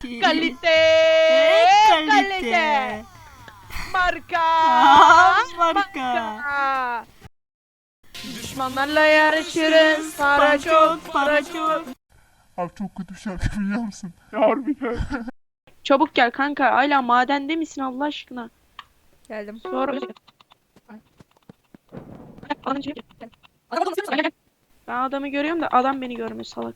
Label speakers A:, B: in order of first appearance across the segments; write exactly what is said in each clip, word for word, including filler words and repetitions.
A: Kalite. Kalite. Marka.
B: Marka.
A: Düşmanlarla yarışırız. Para çok, para çok.
C: Abi çok kötü bir şarkı biliyor musun? Ya harbiden.
A: Çabuk gel kanka. Hala madende misin Allah aşkına?
B: Geldim.
A: Sonra ben adamı görüyorum da adam beni görmüyor salak.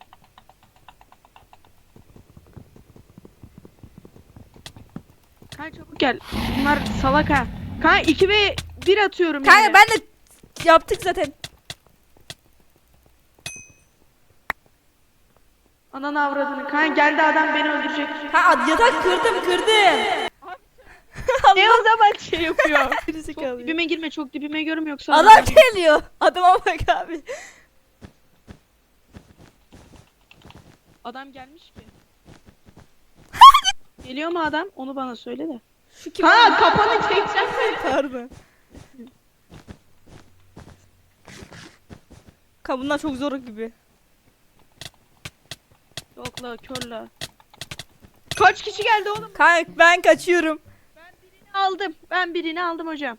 A: Kanka çabuk gel. Bunlar salak ha. Kanka iki ve bir atıyorum
B: Kanka
A: yani.
B: ben de yaptık zaten.
A: Ananı avradını. Kanka geldi adam beni öldürecek.
B: Ha yatak kırdım kırdım.
A: Ne o zaman şey yapıyor? Çok
B: Gerizekalı.
A: dibime girme, çok dibime görme yoksa
B: Adam geliyor. Adama bak abi.
A: adam gelmiş ki. Geliyor mu adam? Onu bana söyle de.
B: Şu kim?
A: Ha kafanı çekeceğim.
B: Pardon. Kanka bunlar çok zor gibi.
A: Yok la kör la. Kaç kişi geldi oğlum?
B: Kanka ben kaçıyorum.
A: Aldım. Ben birini aldım hocam.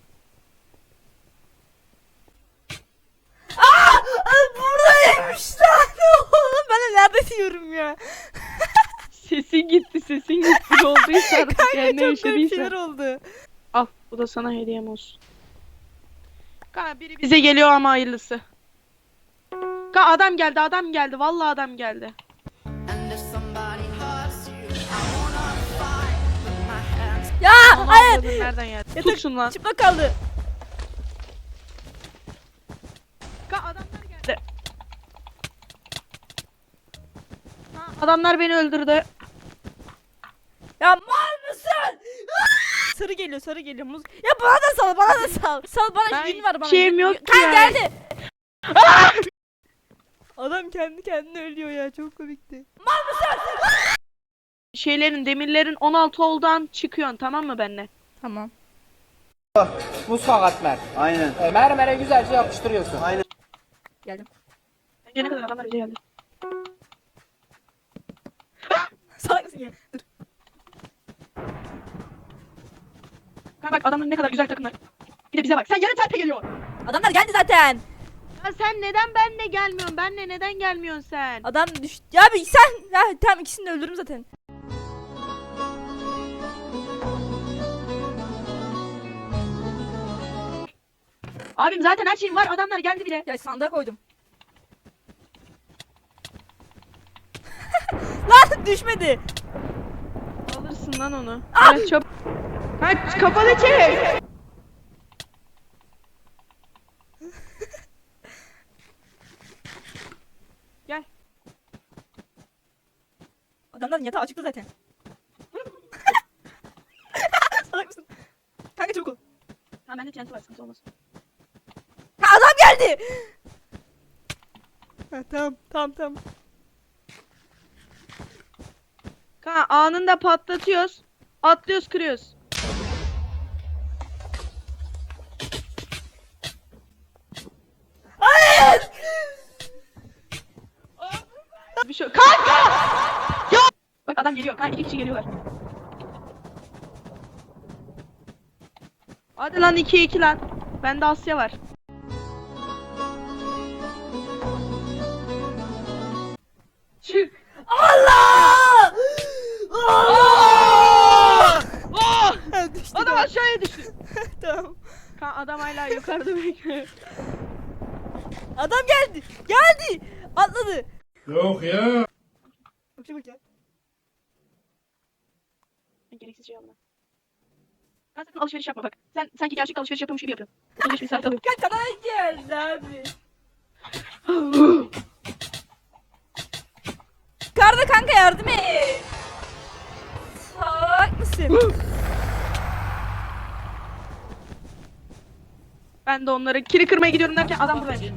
B: Aa! Buradaymış lan oğlum. Ben de nerede diyorum ya.
A: Sesin gitti, sesin gitti. Ne olduysa artık yani ne
B: Kanka çok garip şeyler
A: yaşadıysa.
B: oldu.
A: Al bu da sana hediyem olsun. Kanka biri bize geliyor ama hayırlısı. Kanka adam geldi, adam geldi. Vallahi adam geldi.
B: Ya
A: Onu
B: hayır.
A: avradın, nereden geldi?
B: Yatak
A: Tutsun lan.
B: çıplak kaldı.
A: Kanka adamlar geldi. Ha, adamlar beni öldürdü.
B: Ya mal mısın? Sarı geliyor, sarı geliyor. Muz. Ya bana da sal, bana da sal. Sal bana
A: Ben
B: gün var bana.
A: şeyim
B: gün-
A: yok ki
B: Kan
A: ya.
B: geldi. Adam kendi kendine ölüyor ya, çok komikti.
A: Şeylerin, demirlerin on altı olduğundan çıkıyorsun tamam mı benimle?
B: Tamam.
D: Mutfak atmer.
E: Aynen.
D: E, mermere güzelce yapıştırıyorsun.
E: Aynen.
B: Geldim.
A: Önce ne kadar adamlar bize geldi.
B: Salak mısın ya? Dur.
A: Kanka bak adamlar ne kadar güzel takımlar. Bir de bize bak. Sen yarı terpe geliyor.
B: Adamlar geldi zaten.
A: Ya sen neden benle gelmiyorsun? Benle neden gelmiyorsun sen?
B: Adam düştü. Ya bir sen. Ya tamam, ikisini de öldürürüm zaten.
A: Abim zaten her şeyim var. Adamlar geldi bile.
B: Ya sandığa koydum. Lan düşmedi.
A: Alırsın lan onu. Evet, çabuk. Kaç kafanı çek. Gel.
B: Adamların yatağı açıktı zaten. Salak mısın? Kanka çabuk ol.
A: Ha bende T N T var sıkıntı olmaz.
B: Ha, adam geldi. Ha, tamam tamam tamam.
A: Kanka anında patlatıyoruz. Atlıyoruz kırıyoruz.
B: Hayır.
A: Bir şey yok. Kanka! Ya! Bak adam geliyor. Kanka iki kişi geliyorlar. Hadi lan iki iki lan. Bende Asya var. Çık.
B: Allah! Allah!
A: Oh!
B: Ha, düştü
A: Adam
B: galiba.
A: aşağıya düştü.
B: Tamam.
A: Kanka adam hala yukarıda bekliyor.
B: Adam geldi. Geldi. Atladı.
C: Yok ya.
B: Çabuk gel.
A: Gereksiz şey yapma. Sen sakın alışveriş yapma bak. Sen sanki gerçek alışveriş yapıyormuş gibi yapıyorsun. Alışveriş bir saat alıyor.
B: Gel kadar geldi abi. Karda kanka yardım et. Salak mısın?
A: Ben de onları kiri kırmaya gidiyorum derken adam buradaymış.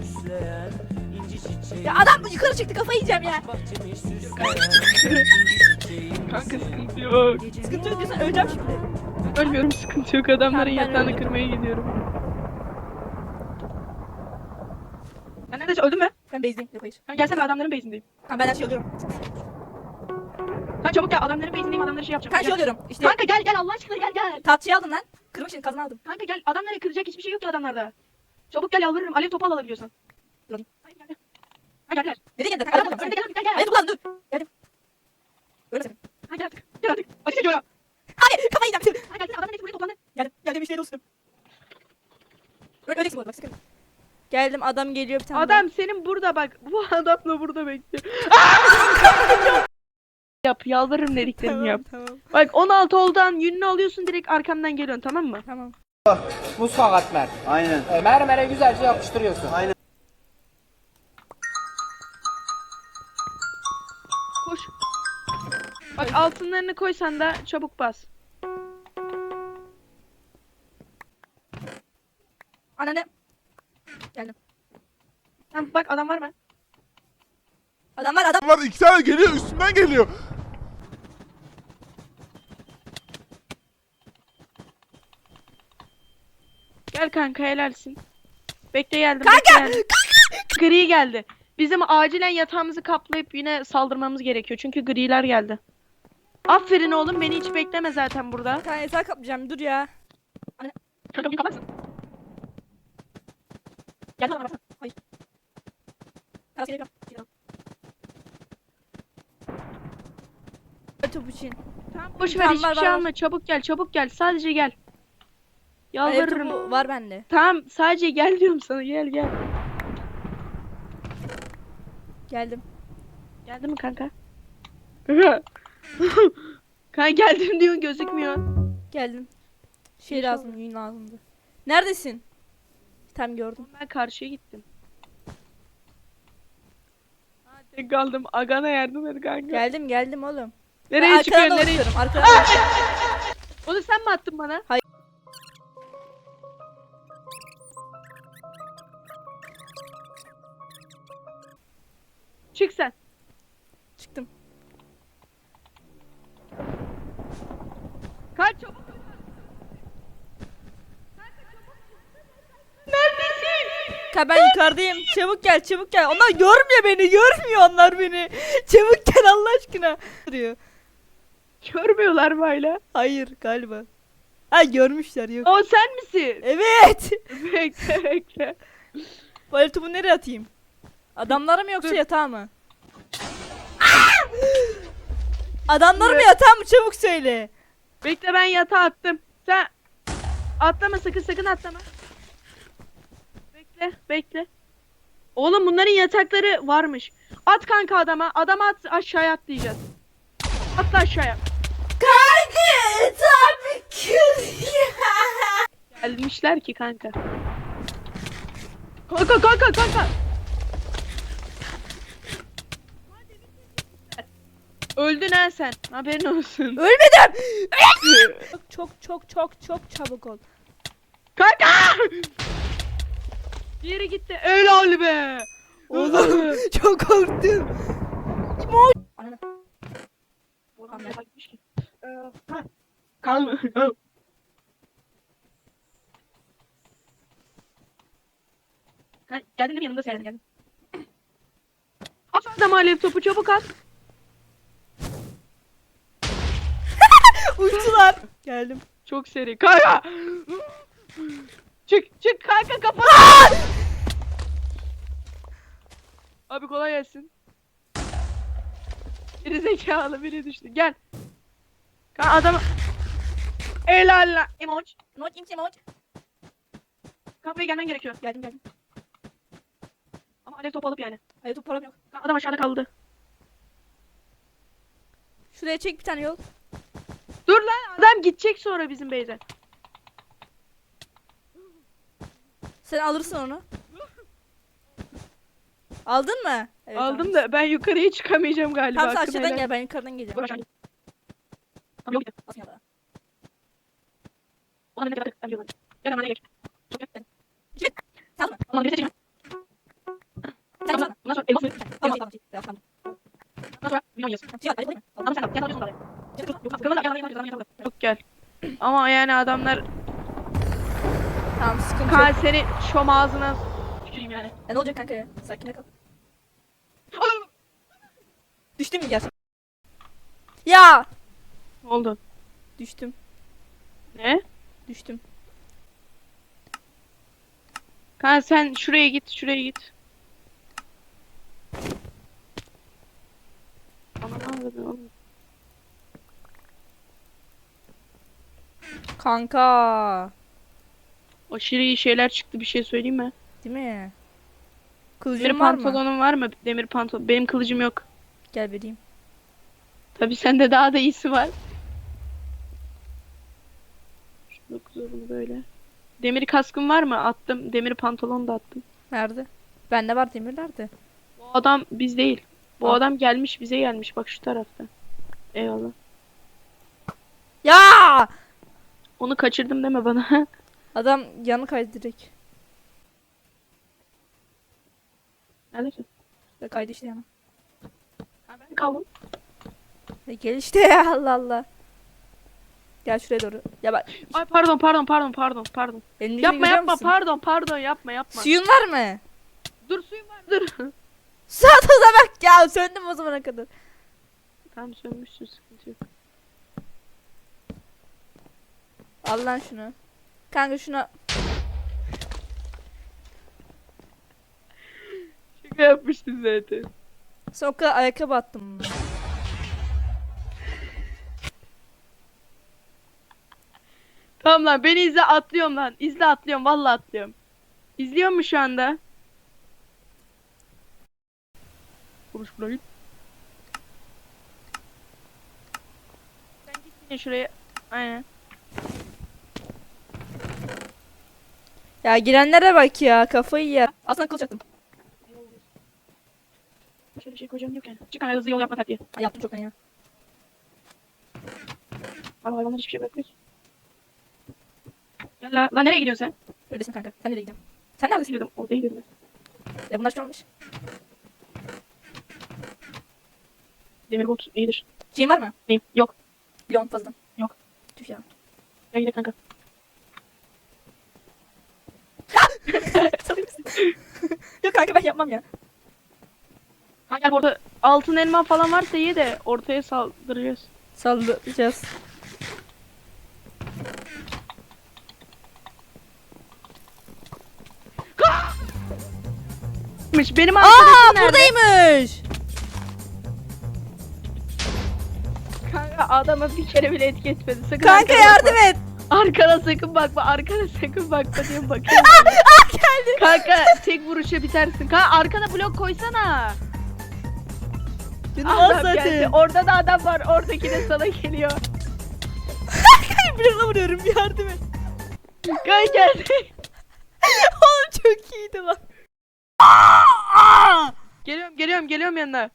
B: Ya adam yukarı çıktı, kafayı yiyeceğim ya.
A: Kanka sıkıntı yok.
B: Sıkıntı yok diyorsan öleceğim şimdi.
A: Ölmüyorum sıkıntı yok. Adamların
B: Tamam, ben
A: yatağını
B: öldüm.
A: kırmaya gidiyorum. Sen neredesin? Öldün mü?
B: Ben base'deyim. Yok hayır.
A: Ben gelsene adamların base'indeyim.
B: Tamam ben her şeyi alıyorum.
A: çabuk gel. Adamların base'indeyim. Adamları şey yapacağım.
B: Kanka şey
A: Gel.
B: oluyorum. İşte
A: Kanka gel gel Allah aşkına gel gel.
B: tatçıyı aldım lan. Kırmak için kazma aldım.
A: Kanka gel. Adamlara kıracak hiçbir şey yok ki adamlarda. Çabuk gel yalvarırım. Alev topu al alabiliyorsan.
B: Dur alayım.
A: Hayır gel gel. Ha gel gel.
B: Nereye geldin?
A: Adam
B: Adam
A: önünde gel gel gel.
B: Hayır dur lan dur. Geldim. Öyle sakın.
A: Ha gel artık. Gel artık. Ateş ediyor ya.
B: Abi kafayı yiyeceğim.
A: Ha gel adamın hepsi buraya toplandı.
B: Geldim. Geldim işte dostum. Öyle öyle bu arada bak sakın. Geldim adam geliyor bir tane.
A: Adam senin burada bak. Bu adam da burada bekliyor. Yap yalvarırım dediklerimi
B: Tamam
A: yap.
B: tamam.
A: Bak on altı oldan yününü alıyorsun direkt arkamdan geliyorsun tamam mı?
B: Tamam.
D: Muz atmer.
C: Aynen.
D: E, mermere güzelce yapıştırıyorsun.
C: Aynen.
A: Koş. Bak altınlarını koysan da çabuk bas.
B: Anne. Geldim.
A: Tamam bak adam var mı?
B: Adam var adam.
C: Var iki tane geliyor üstümden geliyor.
A: Gel kanka helalsin. Bekle geldim.
B: Kanka,
A: bekle geldim. Gri geldi. Bizim acilen yatağımızı kaplayıp yine saldırmamız gerekiyor. Çünkü griler geldi. Aferin oğlum beni hiç bekleme zaten burada.
B: Bir tane yatağı kaplayacağım dur ya.
A: Kanka bir kapatsın.
B: Gel bana baksana. Hayır. Biraz geliyor. Top için.
A: Tamam boş ver
B: Tamam,
A: hiçbir
B: var,
A: şey
B: var, var.
A: alma. Çabuk gel çabuk gel. Sadece gel.
B: Alev
A: Yalvarırım.
B: topu var bende.
A: Tamam sadece gel diyorum sana gel gel.
B: Geldim.
A: Geldi mi kanka? Kanka geldim diyorsun gözükmüyor.
B: Geldim. Şey
A: İnşallah.
B: lazım, yün lazımdı. Neredesin? Tam gördüm.
A: Ben karşıya gittim. Hadi kaldım. Agana yardım et kanka.
B: Geldim geldim oğlum.
A: Nereye
B: Ben
A: çıkıyorsun?
B: arkadan
A: Nereye?
B: dolaşıyorum, arkadan dolaşıyorum.
A: Onu sen mi attın bana?
B: Hayır.
A: Çık sen.
B: Çıktım.
A: Kaç çabuk. Neredesin?
B: Ka ben yukarıdayım. Çabuk gel, çabuk gel. Onlar görmüyor beni, görmüyor onlar beni. Çabuk gel Allah aşkına. Duruyor.
A: Görmüyorlar mı hala?
B: Hayır galiba. Ha görmüşler yok.
A: O sen misin?
B: Evet.
A: Bekle bekle.
B: Bu alev topu nereye atayım? Adamlara mı yoksa
A: Dur.
B: yatağa mı? Adamlara mı yatağa mı çabuk söyle.
A: Bekle ben yatağa attım. Sen atlama sakın sakın atlama. Bekle bekle. Oğlum bunların yatakları varmış. At kanka adama. Adama at aşağıya atlayacağız. Atla aşağıya.
B: Kanka tabii ki.
A: Gelmişler ki kanka. Kanka kanka kanka. Öldün ha sen. Haberin olsun.
B: Ölmedim. çok çok çok çok çabuk ol.
A: Kanka! Diğeri gitti. Helal be.
B: Oğlum çok korktum. Ananı.
A: Oğlum ne bakmış ki? Ee, ha. Kalma. Ha, geldin değil mi yanımda sen geldin. At adam alev topu çabuk at.
B: Uçtular. Geldim.
A: Çok seri. Kanka! Çık çık kanka kapat. Abi kolay gelsin. Biri zekalı biri düştü. Gel. Kanka adam. Helal lan. Emoç.
B: Emoç imsi emoç.
A: Kapıya gelmen gerekiyor.
B: Geldim geldim.
A: Ama alev topu alıp yani.
B: Hayır top param yok.
A: Kanka adam aşağıda kaldı.
B: Şuraya çek bir tane yol.
A: Dur lan adam gidecek sonra bizim base'e.
B: Sen alırsın onu. Aldın mı? Evet,
A: Aldım
B: tamam.
A: da ben yukarıya çıkamayacağım galiba.
B: Tamam sen
A: hakkını
B: aşağıdan
A: helal.
B: gel ben yukarıdan
A: Dur
B: geleceğim.
A: aşağı gel. Tamam yok gidiyor.
B: Basın ya da.
A: Ulan ne kadar ben diyorum. Gel hemen geç. Çok gel.
B: Git. Sen alma.
A: Ulan bir de çekeceğim.
B: Sen
A: Bundan
B: alma.
A: bundan sonra elmas verir.
B: Tamam tamam. Tamam tamam.
A: Bundan sonra milyon yiyorsun.
B: Şey al, alayım mı?
A: Ama sen al. Gel alıyorsun oraya. Yok kırmızı gel gel gel gel. Yok gel. Ama yani adamlar
B: Tamam sıkıntı yok.
A: kan seni şom ağzına tüküreyim yani.
B: E, ne olacak kanka ya? Sakin kal. Düştün mü gerçekten? Ya.
A: Ne oldu?
B: Düştüm.
A: Ne?
B: Düştüm.
A: Kanka sen şuraya git, şuraya git. Aman Allah'ım oğlum.
B: Kanka.
A: Aşırı iyi şeyler çıktı, bir şey söyleyeyim mi?
B: Değil mi?
A: Demir
B: Kılıcım var mı?
A: pantolonun var mı? Demir pantolon. Benim kılıcım yok.
B: Gel vereyim.
A: Tabii sende daha da iyisi var. Şunu bunu böyle. Demir kaskın var mı? Attım. Demir pantolon da attım.
B: Nerede? Bende var demir nerede?
A: Bu adam biz değil. Bu
B: Al.
A: adam gelmiş, bize gelmiş. Bak şu tarafta. Eyvallah.
B: Ya!
A: Onu kaçırdım deme bana.
B: Adam yanı kaydı direkt.
A: Neredesin?
B: Ya kaydı işte yana.
A: Ha, ben kaldım.
B: E gel işte ya Allah Allah. Gel şuraya doğru. Ya bak.
A: Ay pardon pardon pardon pardon pardon.
B: Elimdekini
A: Yapma
B: görüyor
A: yapma
B: musun?
A: pardon pardon yapma yapma.
B: Suyun var mı?
A: Dur suyum var dur.
B: Saat o bak ya söndüm o zamana kadar.
A: Tamam sönmüşsün, sıkıntı yok.
B: Al lan şunu. Kanka şuna.
A: Şaka yapmıştın zaten.
B: Sen o kadar ayakkabı attım.
A: Tamam lan beni izle, atlıyorum lan. İzle, atlıyorum, vallahi atlıyorum. İzliyor mu şu anda? Konuş buraya git. Sen git yine şuraya. Aynen.
B: Ya girenlere bak ya kafayı yer. Aslında kılıç attım.
A: Şöyle bir şey koyacağım yok yani. Çık hani hızlı yol yapma taktiği.
B: Ha, yaptım çok ya.
A: Abi hayvanlar hiçbir şey bırakmıyor ki. Ya la, la nereye gidiyorsun sen?
B: Öylesin kanka. Sen nereye gidiyorsun? Sen neredesin?
A: Gidiyordum. Ortaya gidiyordum ben.
B: Ya bunlar şu olmuş.
A: Demir bot iyidir.
B: Şeyin var mı?
A: Neyim? Yok.
B: Leon fazladan.
A: Yok.
B: Tüh ya.
A: Gel gidelim kanka.
B: Salıyor musun? Yok kanka ben yapmam ya.
A: Kanka gel orada altın elma falan varsa ye de ortaya saldıracağız.
B: Sallayacağız.
A: Benim arkadaşım
B: Aa
A: nerede?
B: buradaymış.
A: Kanka adama bir kere bile etki etmedi. Sakın
B: Kanka
A: arkana
B: yardım
A: bakma.
B: et.
A: Arkana sakın bakma. Arkana sakın bakma diyorum bakıyorum.
B: Geldi.
A: Kanka tek vuruşa bitersin. Kanka arkana blok koysana.
B: Canım az
A: Adam geldi.
B: zaten.
A: Orada da adam var. Oradaki de sana geliyor.
B: Blokla vuruyorum yardım et.
A: Kanka geldi.
B: Oğlum çok iyiydi lan.
A: Geliyorum geliyorum geliyorum yanına.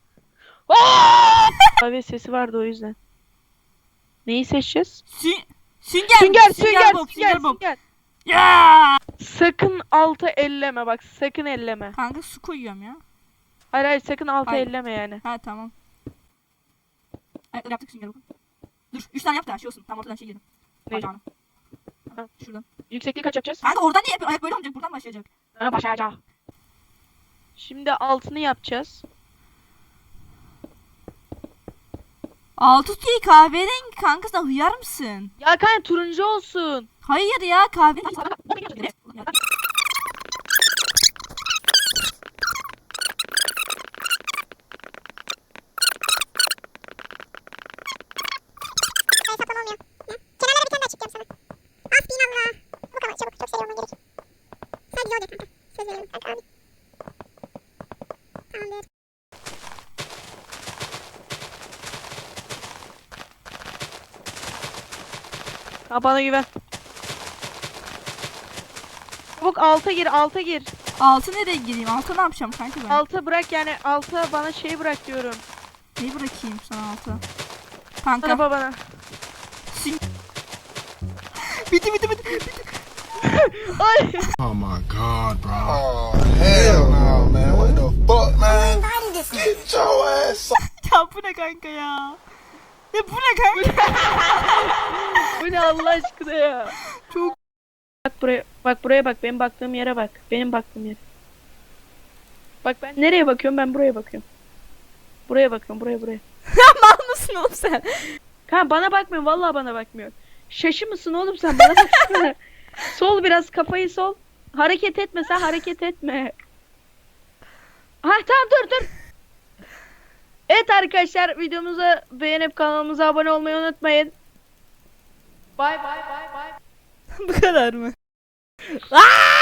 A: Abi sesi vardı o yüzden. Neyi seçeceğiz?
B: Sü sünger.
A: Sünger sünger
B: Bob,
A: sünger
B: Bob.
A: sünger.
B: Ya.
A: Sakın altı elleme bak, sakın elleme.
B: Kanka su koyuyorum ya.
A: Hayır hayır sakın altı
B: Hayır.
A: elleme yani.
B: Ha tamam. Ayakları yaptık sünger bakın. Dur üç tane yap da şey olsun. Tam ortadan şey yiyelim.
A: Ne?
B: Bacağını.
A: Ha.
B: Şuradan.
A: Yüksekliği kaç yapacağız?
B: Kanka oradan niye yapıyor? Ayak böyle olmayacak. Buradan başlayacak.
A: Ha, başlayacağım. Şimdi altını yapacağız.
B: Altı değil kahverengi kanka sen hıyar mısın?
A: Ya kanka turuncu olsun.
B: Hayır ya kahverengi.
E: Hesaplama olmuyor. Ya. Kenarlara bir tane daha çift yapsana. Hasbinallah. Bu kadar çabuk. Çok seri olman gerek. Sadece o de kanka. Söz veriyorum kanka abi. Tamamdır.
A: Ha, bana güven. Çabuk alta gir, alta gir.
B: Altı nereye gireyim? Altı ne yapacağım kanka ben?
A: Alta bırak yani, alta bana şey bırak diyorum.
B: Neyi bırakayım sana altı? Kanka.
A: Araba bana.
B: Bitti bitti bitti.
A: Ay.
C: Oh my god, bro.
F: Oh, hell no, man. What the fuck, man? Get your ass
B: Ya bu ne kanka ya? Ya bu ne kanka?
A: Bu ne Allah aşkına ya.
B: Çok-
A: Bak buraya, bak buraya bak, benim baktığım yere bak. Benim baktığım yere. Bak ben nereye bakıyorum, ben buraya bakıyorum. Buraya bakıyorum buraya buraya.
B: Mal mısın oğlum sen?
A: Kanka bana bakmıyor vallahi bana bakmıyor. Şaşı mısın oğlum sen bana baksana. Sol biraz kafayı sol. Hareket etme sen hareket etme. Ha tamam dur dur. Evet arkadaşlar videomuzu beğenip kanalımıza abone olmayı unutmayın. Bay bay bay bay.
B: Bu kadar mı? Aa!